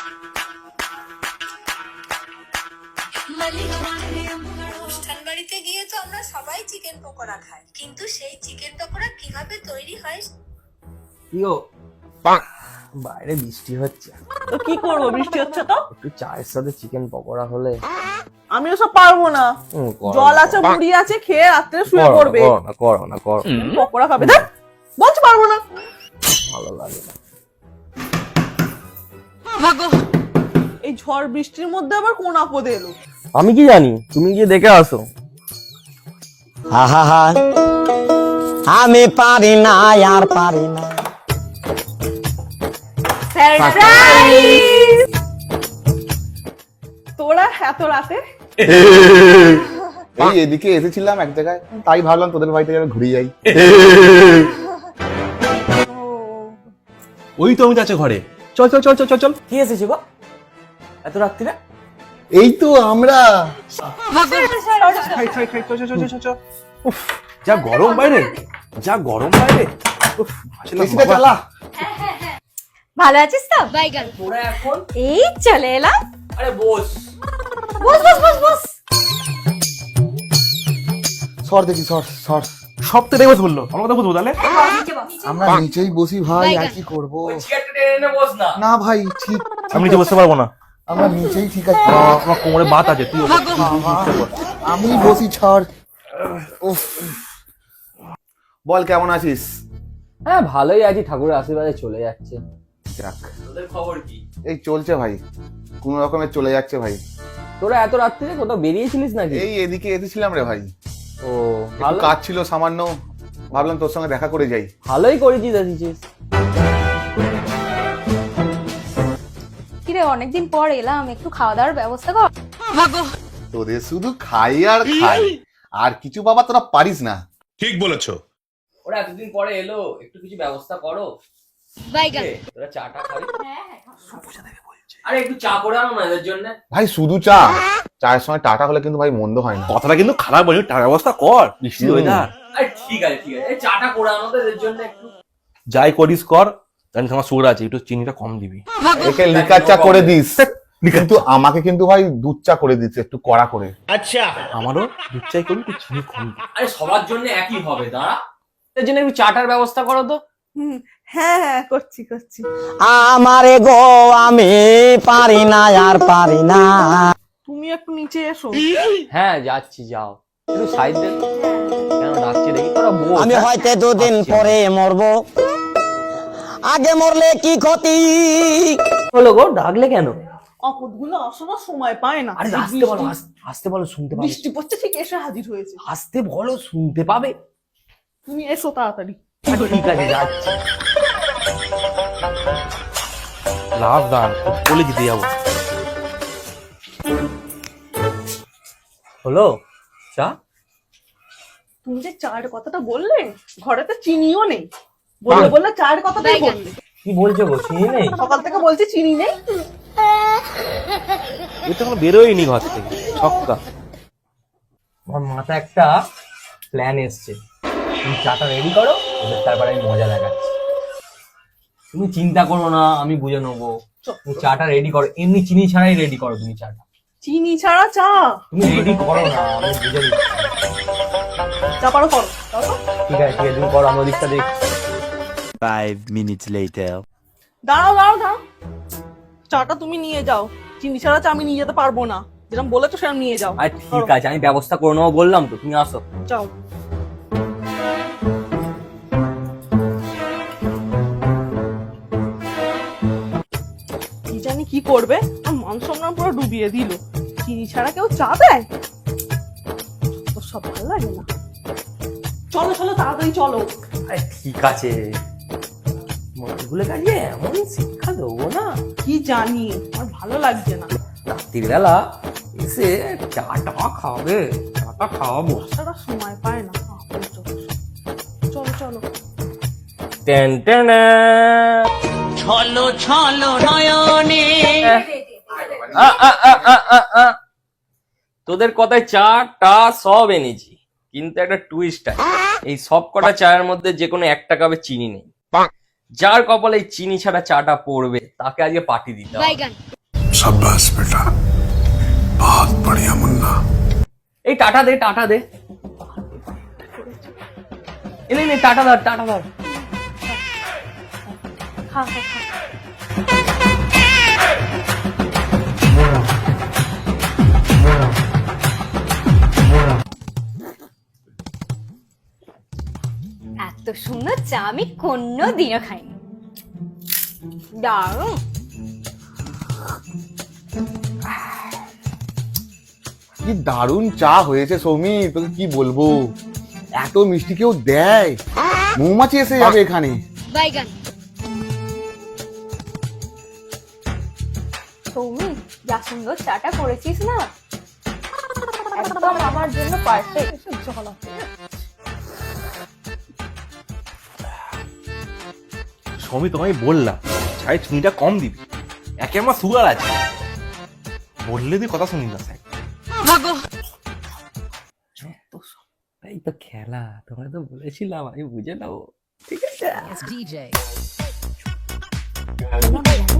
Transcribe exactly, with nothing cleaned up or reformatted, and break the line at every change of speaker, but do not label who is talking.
অনুষ্ঠান বাড়িতে গিয়ে তো আমরা সবাই চিকেন পকোড়া খাই, কিন্তু সেই চিকেন পকোড়া কিভাবে তৈরি হয়?
ইয়ো বাইরে বৃষ্টি হচ্ছে,
তো কি করবো, বৃষ্টি হচ্ছে তো।
একটু চায়ের সাথে চিকেন পকোড়া হলে।
আমি ওসব পারবো না,
হুম, করো
জল
না,
আছে মুড়ি আছে, খেয়ে রাত্রে শুয়ে
করো না,
পড়বে।
করো না, করো না, করো না।
পকোড়া খাবে, দেখ বলছি পারবো না।
ভালো লাগে না।
এই ঝড় বৃষ্টির মধ্যে আবার কোন আপদ এলো?
আমি কি জানি, তুমি গিয়ে দেখে আসো।
আহা হা, আমি পারি না আর পারি না।
তোরা এত রাতে?
এই এদিকে এসেছিলাম এক জায়গায়, তাই ভাবলাম তোদের বাড়িতে যাবে ঘুরে যাই।
ওই তো আমি যাচ্ছে ঘরে। চল চল চল চল চল চল।
কি এসেছে গো এত রাত্রিরে?
এই তো আমরা।
খাই খাই খাই চল চল চল চল চল। উফ, যা গরম বাইরে, যা গরম বাইরে। উফ, আসলে
এসিটা
বাবা-
চালা।
ভালো আছিস তো?
তোরা এখন
এই চলে এলাম।
আরে বস।
বস বস বস বস।
সর দেখি, সর সর।
সব তো দেখে বললো, আমার কথা বলবো তাহলে।
আমরা নিচেই বসি ভাই, আর কি করবো?
চেয়ারটা টেনে এনে বস না।
না ভাই, ঠিক
আমি নিচে বসতে পারবো না,
আমরা নিচেই ঠিক আছে।
আমার আমার কোমরে বাত আছে। তুই ওপর, তুই- তুই নিচে বস।
আমি বসি, ছাড়। উফ, বল কেমন আছিস?
হ্যাঁ ভালোই আছি, ঠাকুরের আশীর্বাদে চলে যাচ্ছে।
যাক,
তোদের খবর কি?
এই চলছে ভাই, কোন রকমের চলে যাচ্ছে ভাই।
তোরা এত রাত্রিরে কোথাও বেরিয়েছিলিস নাকি?
এই এদিকে এসেছিলাম রে ভাই,
ও
একটু
ভালো,
কাজ ছিল সামান্য, ভাবলাম তোর সঙ্গে দেখা করে যাই।
ভালোই করেছিস এসেছিস।
কিরে অনেকদিন পর এলাম, একটু খাওয়া দাওয়ার ব্যবস্থা কর।
তোদের শুধু খাই আর খাই, আর কিছু বাবা তোরা পারিস না।
ঠিক বলেছো।
ওরা এতদিন পরে এলো, একটু কিছু ব্যবস্থা করো।
বাইগান।
এ, তোরা চাটা খাবি? আরে একটু চা করে আনো না এদের জন্য।
ভাই শুধু চা, চায়ের সময় টাটা হলে কিন্তু ভাই মন্দ হয় না।
কথাটা কিন্তু খারাপ বলি, টাকা ব্যবস্থা কর, বৃষ্টি
হুম।
ওয়েদার।
আরে ঠিক আছে ঠিক আছে, এই চাটা করে আনো তো এদের জন্য একটু।
যাই করিস কর, জানিস আমার সুগার আছে, একটু চিনিটা কম দিবি।
একে লিকার চা করে দিস, কিন্তু আমাকে কিন্তু ভাই দুধ চা করে দিস একটু কড়া করে।
আমারও দুধ চাই করবি, একটু চিনি কম দিবি।
আরে সবার জন্য একই হবে, দাঁড়া। এর জন্য একটু চাটার ব্যবস্থা করো তো।
হুম, হ্যাঁ হ্যাঁ করছি করছি।
আমারে গো, আমি পারি না আর পারি না।
তুমি একটু নিচে এসো।
হ্যাঁ যাচ্ছি, যাও একটু সাইড দে। কেন ডাকছে দেখি, তোরা বল।
আমি হয়তো দুদিন পরে মরবো, আগে মরলে কি ক্ষতি।
হলো গো, ডাকলে কেন?
আপদগুলো আসার সময় পায় না।
আরে
এই
আসতে বলো,
বৃষ্টি-
আস- আসতে বলো, শুনতে পাবে।
বৃষ্টি পড়ছে, ঠিক এসে হাজির হয়েছে।
আসতে বলো, শুনতে পাবে।
তুমি এসো তাড়াতাড়ি।
আচ্ছা, ঠিক আছে যাচ্ছি।
লাভ দান বলে দিতে যাবো।
হলো চা?
তুমি যে চায়ের কথাটা বললে, ঘরে তো চিনিও নেই। বললে বললে চায়ের কথাটাই বললে।
কি বলছো গো, চিনি নেই?
সকাল থেকে বলছি চিনি নেই।
এ তো এখন বেরোয়নি ঘর থেকে, ছক্কা।
আমার মাথায় একটা প্ল্যান এসছে। তুমি চাটা রেডি করো, এবার তারপরে আমি মজা দেখাচ্ছি। তুমি চিন্তা করো না, আমি বুঝে নেবো। তুমি চাটা রেডি করো, এমনি চিনি ছাড়াই রেডি করো তুমি চাটা।
চিনি ছাড়া চা?
তুমি রেডি করো না, আমি বুঝে নিচ্ছি।
চা পারো করো, দাও তো।
ঠিক আছে ঠিক আছে, তুমি করো, আমি ওদিকটা দেখছি।
Five minutes later.
দাঁড়াও দাঁড়াও দাঁড়াও, চাটা তুমি নিয়ে যাও। চিনি ছাড়া চা আমি নিয়ে যেতে পারবো না, যেরকম বলেছো সেরকম নিয়ে যাও।
আর ঠিক আছে, আমি ব্যবস্থা করে নেবো বললাম তো, তুমি আসো।
যাও। কি জানি কি করবে, আর মান সম্মান পুরো ডুবিয়ে দিল। চিনি ছাড়া কেউ চা দেয়? তো সব ভালো লাগে না। চলো চলো তাড়াতাড়ি চলো।
আরে ঠিক আছে, মনগুলো কাটিয়ে এমন শিক্ষা দেবো না।
কি জানি, আমার ভালো লাগছে না।
রাত্রির বেলা এসে চাটা খাবে, চাটা খাওয়াবো।
সারা সময় পায় না। আহ, চলো চলো চলো।
Ten ten.
ছলো ছলো নয়নে।
আ, আ, আ, আ, আ, আ। তোদের কথায় চা টা সব এনেছি, কিন্তু একটা টুইস্ট আছে। এই সব কটা চায়ের মধ্যে যে কোনো একটা কাপে চিনি নেই। যার কপালে এই চিনি ছাড়া চাটা পড়বে, তাকে আজকে পার্টি দিতে হবে।
शाबाश बेटा, बहुत बढ़िया मुन्ना।
এই টাটা দে টাটা দে এই নে, নে টাটা ধর টাটা ধর
খা খা খা এত সুন্দর চা আমি কোনো দিনও খাইনি। দারুণ।
কি দারুণ চা হয়েছে সৌমি, তোকে কি বলবো, এত মিষ্টি কেউ দেয়? মৌমাছি এসে যাবে এখানে।
বাইগান।
সৌমি, যা সুন্দর চাটা করেছিস না, একদম আমার জন্য পারফেক্ট। জল আছে।
সৌমি তোমায় বললাম চাই চিনিটা কম দিবি, একে আমার সুগার আছে, বললে তুই কথা শুনি না স্যার।
এই তো খেলা, তোমরা তো বলেছিলাম আমি বুঝে নেবো, ঠিক আছে।